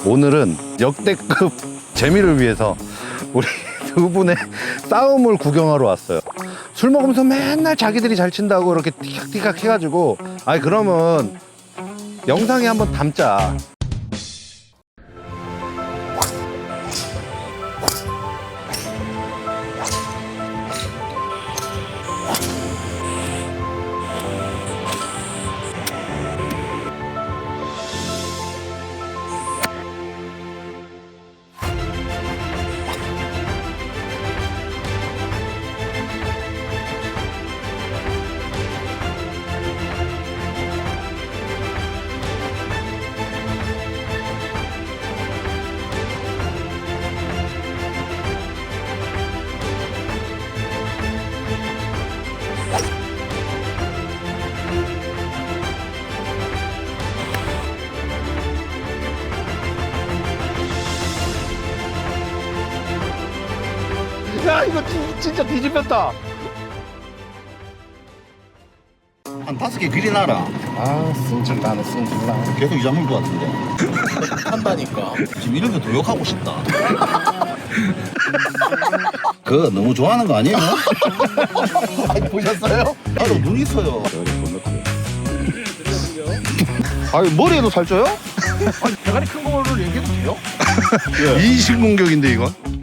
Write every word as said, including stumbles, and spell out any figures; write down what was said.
오늘은 역대급 재미를 위해서 우리 두 분의 싸움을 구경하러 왔어요. 술 먹으면서 맨날 자기들이 잘 친다고 이렇게 띠깍띠깍 해가지고, 아니 그러면 영상에 한번 담자. 야, 이거 진, 진짜 뒤집혔다. 한 다섯 개 비리나라. 아, 승질나네, 승질나. 계속 이자물 것 같은데. 한다니까. 지금 이런 게 도욕하고 싶다. 그거 너무 좋아하는 거 아니에요? 아니, 보셨어요? 나도 눈 있어요. 아니, 머리에도 살쪄요? 아니, 대가리 큰 거를 얘기해도 돼요? 인신공격인데 이건?